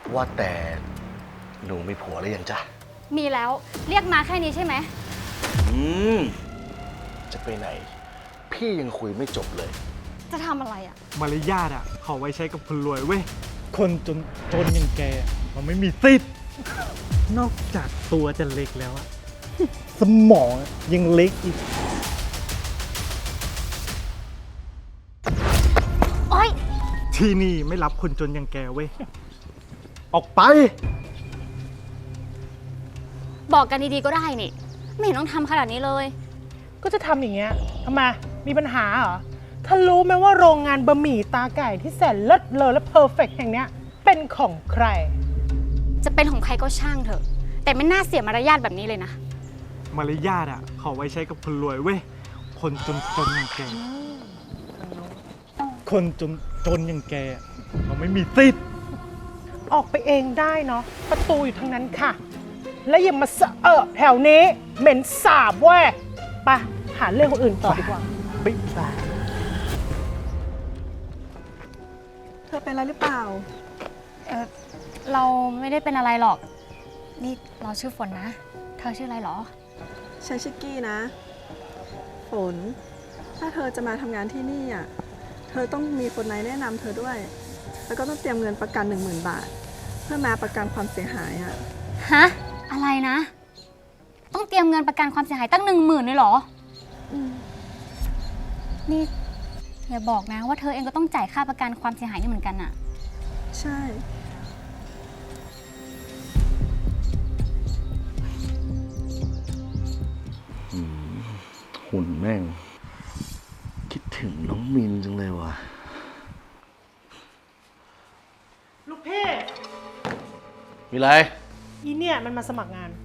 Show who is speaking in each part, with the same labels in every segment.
Speaker 1: ว่าแต่หนูมีผัวหรือยังจ๊ะ
Speaker 2: มีแล้วเรียกมาแค่นี้ใช่ไหม
Speaker 1: อืมจะไปไหนพี่ยังคุยไม่จบเลย
Speaker 2: จะทำอะไรอ่ะ
Speaker 3: มารยาทเขาไว้ใช้กับคนรวยเว้ยคนจนอย่างแกมันไม่มีสิทธิ์นอกจากตัวจะเล็กแล้วอะสมองยังเล็กอีก
Speaker 2: โอ๊ย
Speaker 3: ที่นี่ไม่รับคนจนอย่างแกเว้ยออกไป
Speaker 2: บอกกันดีๆก็ได้นี่ไม่เห็นต้องทำขนาดนี้เลย
Speaker 4: ก็จะทำอย่างเงี้ยทำไมมีปัญหาเหรอถ้ารู้ไหมว่าโรงงานบะหมี่ตาไก่ที่แสนเลิศเลอและเพอร์เฟกต์แห่งเนี้ยเป็นของใคร
Speaker 2: จะเป็นของใครก็ช่างเถอะแต่ไม่น่าเสียมารยาทแบบนี้เลยนะ
Speaker 3: มารยาทเขาไว้ใช้กับคนรวยเว้ยคนจนอย่างแกคนจนอย่างแกมันไม่มีสิทธิ์
Speaker 4: ออกไปเองได้เนาะประตูอยู่ทางนั้นค่ะแล้วอย่ามาแถวนี้เหม็นสาบเว้ยไปหาเรื่องคนอื่นต่อดีกว่า
Speaker 3: ปิ๊บไป
Speaker 5: เธอเป็นอะไรหรือเปล่า
Speaker 2: เราไม่ได้เป็นอะไรหรอกนี่เราชื่อฝนนะเธอชื่ออะไรหรอ
Speaker 5: ฉันชื่อกี้นะฝนถ้าเธอจะมาทำงานที่นี่อ่ะเธอต้องมีคนไหนแนะนำเธอด้วยแล้วก็ต้องเตรียมเงินประกัน 10,000 บาทเพื่อมาประกันความเสียหายอ่ะ
Speaker 2: ฮะอะไรนะต้องเตรียมเงินประกันความเสียหายตั้ง10,000เลยเหรอนี่อย่าบอกนะว่าเธอเองก็ต้องจ่ายค่าประกันความเสียหายนี่เหมือนกันอะ
Speaker 5: ใช่
Speaker 1: หุ่นแม่งคิดถึงน้องมินจังเลยว่ะ
Speaker 4: ลูกพี่
Speaker 1: มีไร
Speaker 4: อีเนี่ยมันมาสมัครงาน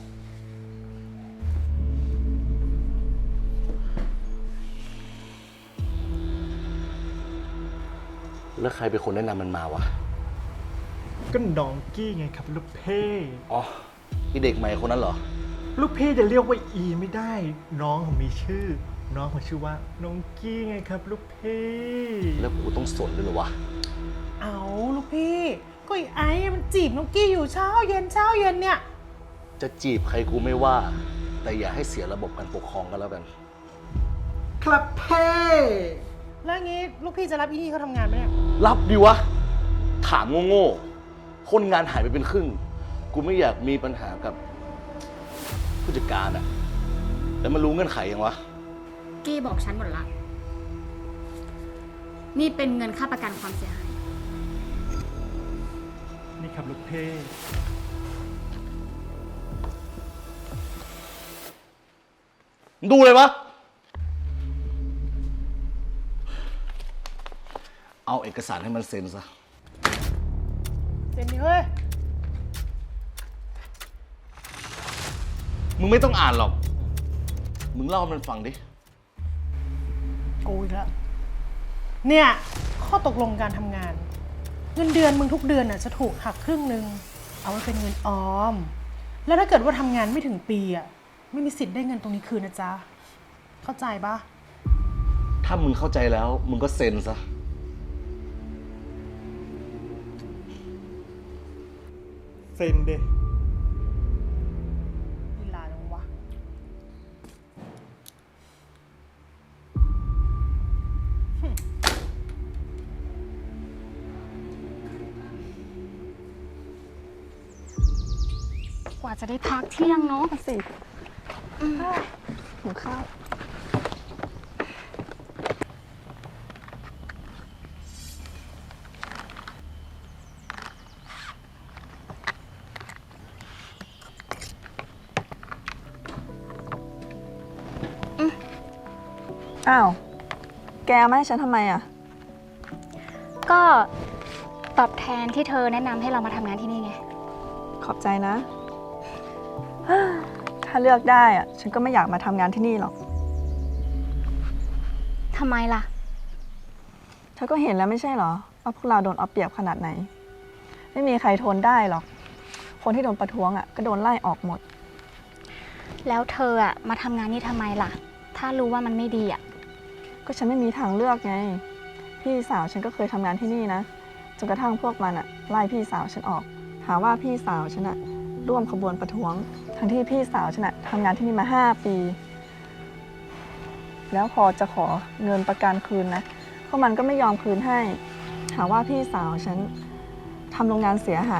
Speaker 1: แล้วใครเป็นคนแนะนำมันมาวะ
Speaker 3: ก็น้องกี้ไงครับลูกเพ่
Speaker 1: อ๋อที่เด็กใหม่คนนั้นเหรอ
Speaker 3: ลูกเพ่จะเรียกว่าอีไม่ได้น้องเขามีชื่อน้องเขาชื่อว่าน้องกี้ไงครับลูกเพ่
Speaker 1: แล้วกูต้องสนด้วยเหรอวะ
Speaker 4: เอาลูกพี่ก็ไอ้มันจีบน้องกี้อยู่เช้าเย็นเนี่ย
Speaker 1: จะจีบใครกูไม่ว่า แต่อย่าให้เสียระบบการปกครองกันแล้วกัน
Speaker 3: ครับเพ่
Speaker 4: แล้วงี้ลูกพี่จะรับอีนี่เขาทำงานไหมเนี่ย
Speaker 1: รับดิวะถามโง่ๆคนงานหายไปเป็นครึ่งกูไม่อยากมีปัญหากับผู้จัดการอะแล้วมันรู้เงื่อนไขยังวะ
Speaker 2: กี้บอกฉันหมดละนี่เป็นเงินค่าประกันความเสียหาย
Speaker 3: นี่ครับลูกเพ่
Speaker 1: ดูเลยวะเอาเอกสารให้มันเซ็นซะ
Speaker 4: เซ็นดิเฮ้ย
Speaker 1: มึงไม่ต้องอ่านหรอกมึงเล่าให้มันฟังดิ
Speaker 4: กูอีกแล้วเนี่ยข้อตกลงการทำงานเงินเดือนมึงทุกเดือนน่ะจะถูกหักครึ่งนึงเอาไว้เป็นเงินออมแล้วถ้าเกิดว่าทำงานไม่ถึงปีอ่ะไม่มีสิทธิ์ได้เงินตรงนี้คืนนะจ๊ะเข้าใจปะ
Speaker 1: ถ้ามึงเข้าใจแล้วมึงก็เซ็นซะ
Speaker 3: เซ็นเด
Speaker 4: ลีลาจังวะ
Speaker 2: กว่าจะได้พักเที่ยงเนาะ
Speaker 5: สิหิวข้าวอ้าวแกเอามาให้ฉันทำไมอ่ะ
Speaker 2: ก็ตอบแทนที่เธอแนะนำให้เรามาทำงานที่นี่ไง
Speaker 5: ขอบใจนะ ถ้าเลือกได้อ่ะฉันก็ไม่อยากมาทำงานที่นี่หรอก
Speaker 2: ทำไมล่ะ
Speaker 5: เธอก็เห็นแล้วไม่ใช่เหรอว่าพวกเราโดนเอาเปรียบขนาดไหนไม่มีใครทนได้หรอกคนที่โดนประท้วงอ่ะก็โดนไล่ออกหมด
Speaker 2: แล้วเธออ่ะมาทำงานนี่ทำไมล่ะถ้ารู้ว่ามันไม่ดีอ่ะ
Speaker 5: ก็ฉันไม่มีทางเลือกไงพี่สาวฉันก็เคยทำงานที่นี่นะจนกระทั่งพวกมันอะไล่พี่สาวฉันออกหาว่าพี่สาวฉันอะร่วมขบวนประท้วง ทั้งที่พี่สาวฉันอะทำงานที่นี่มา5 ปี แล้วพอจะขอเงินประกันคืนนะพวกมันก็ไม่ยอมคืนให้ หาว่าพี่สาวฉันทำโรงงานเสียหาย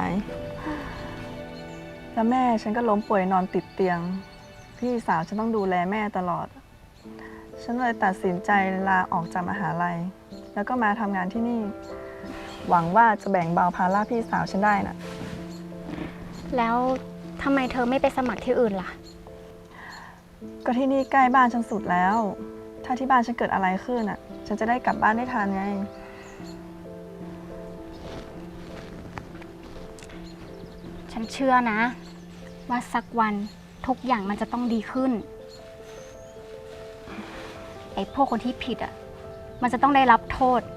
Speaker 5: แล้วแม่ฉันก็ล้มป่วยนอนติดเตียง พี่สาวฉันต้องดูแลแม่ตลอด ฉันเลยตัดสินใจลาออกจากมหาลัย แล้วก็มาทำงานที่นี่ หวังว่าจะแบ่งเบาภาระพี่สาวฉันได้น่ะ
Speaker 2: แล้วทำไมเธอไม่ไปสมัครที่อื่นล่ะ
Speaker 5: ก็ที่นี่ใกล้บ้านฉันสุดแล้ว ถ้าที่บ้านฉันเกิดอะไรขึ้นอ่ะ ฉันจะได้กลับบ้านได้ทันไง
Speaker 2: ฉันเชื่อนะ ว่าสักวันทุกอย่างมันจะต้องดีขึ้น ไอ้พวกคนที่ผิดอ่ะ มันจะต้องได้รับโทษ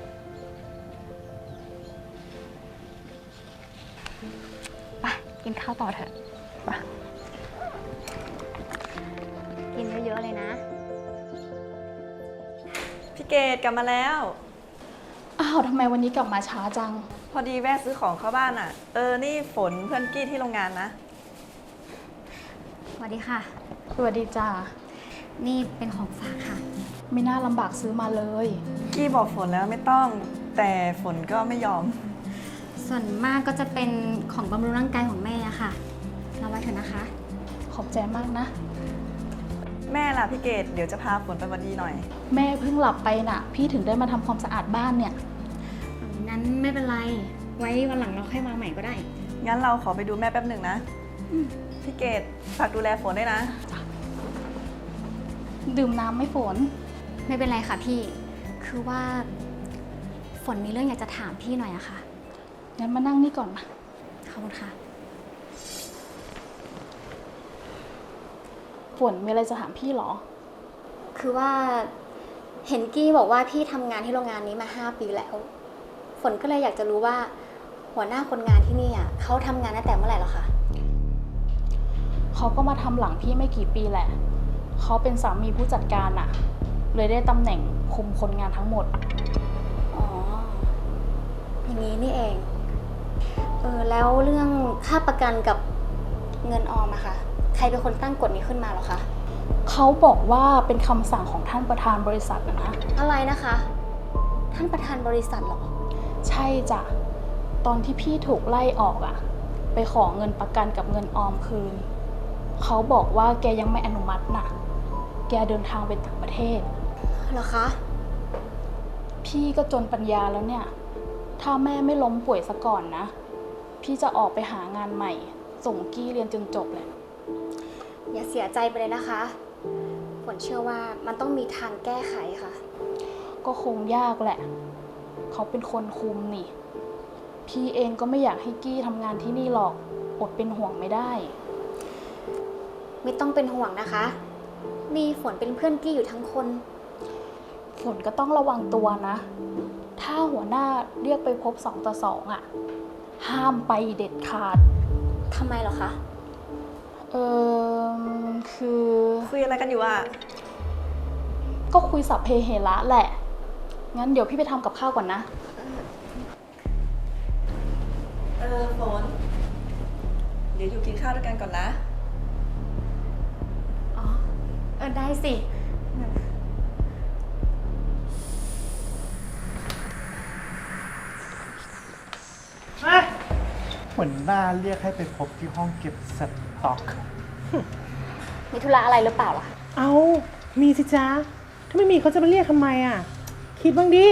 Speaker 2: ไปกินข้าวต่อเถอะ
Speaker 5: ไป
Speaker 2: กินเยอะๆเลยนะ
Speaker 5: พี่เกดกลับมาแล้ว
Speaker 6: อ้าวทำไมวันนี้กลับมาช้าจัง
Speaker 5: พอดีแวะซื้อของเข้าบ้านอ่ะ นี่ฝนเพื่อนกี้ที่โรงงานนะ
Speaker 2: สวัสดีค่ะ
Speaker 6: สวัสดีจ้า
Speaker 2: นี่เป็นของฝากค่ะ
Speaker 6: ไม่น่าลำบากซื้อมาเลย
Speaker 5: กี้บอกฝนแล้วไม่ต้อง แต่ฝนก็ไม่ยอม
Speaker 2: ส่วนมากก็จะเป็นของบำรุงร่างกายของแม่อะค่ะเราไว้เถอะนะคะ
Speaker 6: ขอบใจมากนะ
Speaker 5: แม่ล่ะพี่เกดเดี๋ยวจะพาฝนไปวันดีหน่อย
Speaker 6: แม่เพิ่งหลับไปน่ะ พี่ถึงได้มาทำความสะอาดบ้านเนี่ย
Speaker 2: นั้นไม่เป็นไร ไว้วันหลังเราค่อยมาใหม่ก็ได้
Speaker 5: งั้นเราขอไปดูแม่แป๊บหนึ่งนะ พี่เกดฝากดูแลฝนด้วยนะ
Speaker 6: ดื่มน้ำไม่ฝน
Speaker 2: ไม่เป็นไรค่ะพี่ คือว่าฝนมีเรื่องอยากจะถามพี่หน่อยอะค่ะ
Speaker 6: งั้นมานั่งนี่ก่อนมา
Speaker 2: ขอบคุณค่ะ
Speaker 6: ฝนมีอะไรจะถามพี่เหรอ
Speaker 2: คือว่าเห็นกี้บอกว่าพี่ทำงานที่โรงงานนี้มา5 ปีแล้ว ฝนก็เลยอยากจะรู้ว่า หัวหน้าคนงานที่นี่อะเขาทำงานตั้งแต่เมื่อไหร่หรอคะ
Speaker 6: เขาก็มาทำหลังพี่ไม่กี่ปีแหละ เขาเป็นสามีผู้จัดการน่ะ เลยได้ตำแหน่งคุมคนงานทั้งหมด
Speaker 2: อ๋อ อย่างนี้นี่เอง แล้วเรื่องค่าประกันกับเงินออมอะคะใครเป็นคนตั้งกฎนี้ขึ้นมาหรอคะ
Speaker 6: เขาบอกว่าเป็นคำสั่งของท่านประธานบริษัทนะ
Speaker 2: อะไรนะคะ ท่านประธานบริษัทเหรอ
Speaker 6: ใช่จ้ะ ตอนที่พี่ถูกไล่ออกอะไปขอเงินประกันกับเงินออมคืน เขาบอกว่าแกยังไม่อนุมัติน่ะ แกเดินทางไปต่างประเทศ
Speaker 2: เหรอคะ
Speaker 6: พี่ก็จนปัญญาแล้วเนี่ย ถ้าแม่ไม่ล้มป่วยซะก่อนนะ พี่จะออกไปหางานใหม่ ส่งกี้เรียนจนจบเลย
Speaker 2: อย่าเสียใจไปเลยนะคะ ฝนเชื่อว่ามันต้องมีทางแก้ไขค่ะ
Speaker 6: ก็คงยากแหละ เขาเป็นคนคุมนี่ พี่เองก็ไม่อยากให้กี้ทำงานที่นี่หรอก อดเป็นห่วงไม่ได้
Speaker 2: ไม่ต้องเป็นห่วงนะคะ มีฝนเป็นเพื่อนกี้อยู่ทั้งคน
Speaker 6: ฝนก็ต้องระวังตัวนะ ถ้าหัวหน้าเรียกไปพบ2 ต่อ 2อ่ะ ห้ามไปเด็ดขาด
Speaker 2: ทำไมเหรอคะ
Speaker 6: คือ
Speaker 5: คุยอะไรกันอยู่อ่ะ
Speaker 6: ก็คุยสัพเพเหระแหละ งั้นเดี๋ยวพี่ไปทำกับข้าวก่อนนะ
Speaker 5: ฝน เดี๋ยวอยู่กินข้าวด้วยกันก่อนนะ
Speaker 2: อ๋อ ได้สิ
Speaker 3: หัวหน้าเรียกให้ไปพบที่ห้องเก็บสต็อก
Speaker 2: มีธุระอะไรหรือเปล่าล่ะ
Speaker 4: เอามีสิจ๊ะ ถ้าไม่มีเขาจะมาเรียกทำไมอ่ะ คิดบ้างดิ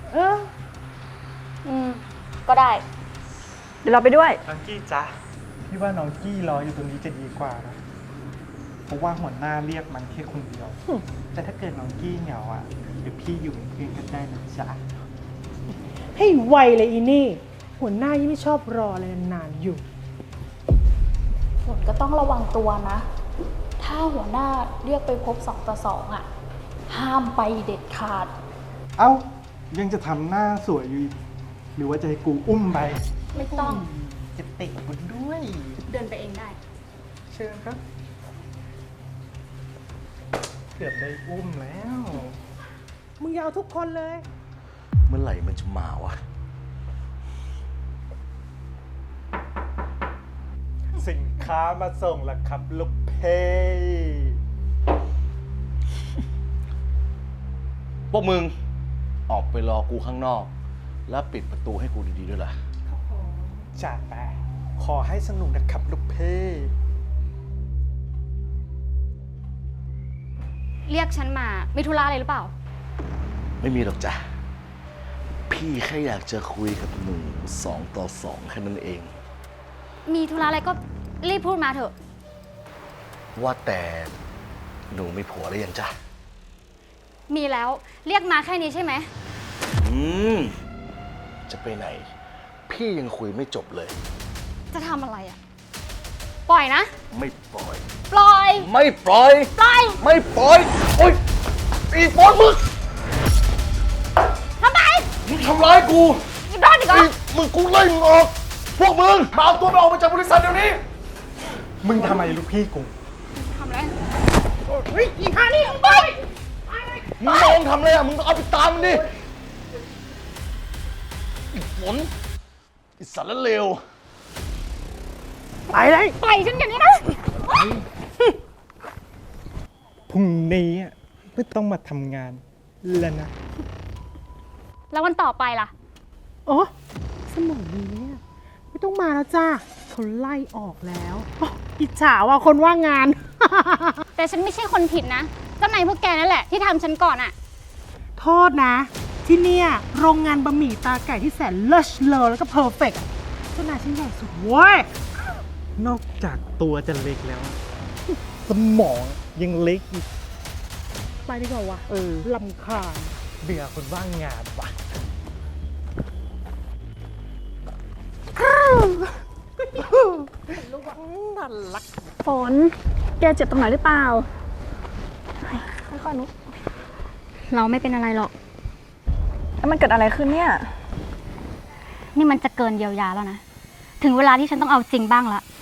Speaker 2: ก็ได้
Speaker 5: เดี๋ยวเราไปด้วย
Speaker 3: น้องกี้จ๊ะพี่ว่าน้องกี้รออยู่ตรงนี้จะดีกว่านะ เพราะว่าหัวหน้าเรียกมันแค่คนเดียว แต่ถ้าเกิดน้องกี้เหงาอ่ะเดี๋ยวพี่อยู่เป็นเพื่อนกันได้นะจ๊ะ
Speaker 4: ให้ไวเลยอีนี่ หัวหน้ายิ่งไม่ชอบรออะไรนานๆอยู่
Speaker 6: ฝนก็ต้องระวังตัวนะ ถ้าหัวหน้าเรียกไปพบ2 ต่อ 2อ่ะ ห้ามไปเด็ดขาด
Speaker 3: เอ้า ยังจะทำหน้าสวยอยู่อีกหรือว่าจะให้กูอุ้มไป
Speaker 6: ไม่ต้อง
Speaker 3: จะเตะมันด้วย
Speaker 2: เดินไปเองได้
Speaker 3: เชิญครับ เกือบได้อุ้มแล้ว
Speaker 4: มึงอยาเอาทุกคนเลย
Speaker 1: เมื่อไหร่มันจะมาวะ
Speaker 3: สินค้ามาส่งแล้วครับลูกเพ
Speaker 1: พวกมึงออกไปรอกูข้างนอก แล้วปิดประตูให้กูดีๆด้วยล่ะ
Speaker 3: จัดไปขอให้สนุกนะครับลูกเพ
Speaker 2: เรียกฉันมา มีธุระอะไรหรือเปล่า
Speaker 1: ไม่มีหรอกจ้ะ พี่แค่อยากจะคุยกับหนู2 ต่อ 2แค่นั้นเอง
Speaker 2: มีธุระอะไรก็รีบพูดมาเถอะ
Speaker 1: ว่าแต่หนูมีผัวหรือยังจ้ะ
Speaker 2: มีแล้ว เรียกมาแค่นี้ใช่ไหม
Speaker 1: อืม จะไปไหน พี่ยังคุยไม่จบเลย
Speaker 2: จะทำอะไรอะปล่อยนะ
Speaker 1: ไม่ปล่อย
Speaker 2: ปล่อย
Speaker 1: ไม่ปล่อย
Speaker 2: ปล่อย
Speaker 1: ไม่ปล่อย โอ๊ยอีโฟนมึง
Speaker 2: ทำไม
Speaker 1: มึงทำร้ายกู
Speaker 2: อีโดนอีกเหรอ
Speaker 1: มึงกูไล่มึงออก พวกมึง มาเอาตัวไปออกมาจากบริษัทเดี๋ยวนี้
Speaker 3: มึงทำไมลูกพี่กู
Speaker 2: ทำอะไร
Speaker 4: เฮ้ยอีห่านี่ไป
Speaker 1: มึงมองทำอะไรอ่ะ มึงเอาไปตามมันดิอีฝนอีสารเลว
Speaker 4: ไปเลย
Speaker 2: ปล่อยฉันอย่างนี้นะ
Speaker 3: พรุ่งนี้อะไม่ต้องมาทำงานแล้วนะ
Speaker 2: แล้ววันต่อไปล่ะ
Speaker 4: โอ้สมองนี้เนี่ยไม่ต้องมาแล้วจ้าเขาไล่ออกแล้วโอ้อิจฉาว่ะคนว่างงาน
Speaker 2: แต่ฉันไม่ใช่คนผิดนะ เจ้านายพวกแกนั่นแหละที่ทำฉันก่อนอะ
Speaker 4: โทษนะ ที่เนี่ยโรงงานบะหมี่ตาไก่ที่แสนเลิศเลอแล้วก็เพอร์เฟกต์เจ้านายชิ้นใหญ่สุดเว้ย
Speaker 3: นอกจากตัวจะเล็กแล้วอะสมองยังเล็กอีก
Speaker 4: ไปดีกว่าวะลำคาญ
Speaker 3: เบื่อคนว่างงานว่ะ
Speaker 5: ฝน แกเจ็บตรงไหนหรือเปล่า ค่อยๆนุ๊ก
Speaker 2: เราไม่เป็นอะไรหรอก
Speaker 5: แล้วมันเกิดอะไรขึ้นเนี่ย
Speaker 2: นี่มันจะเกินเยียวยาแล้วนะ ถึงเวลาที่ฉันต้องเอาจริงบ้างละ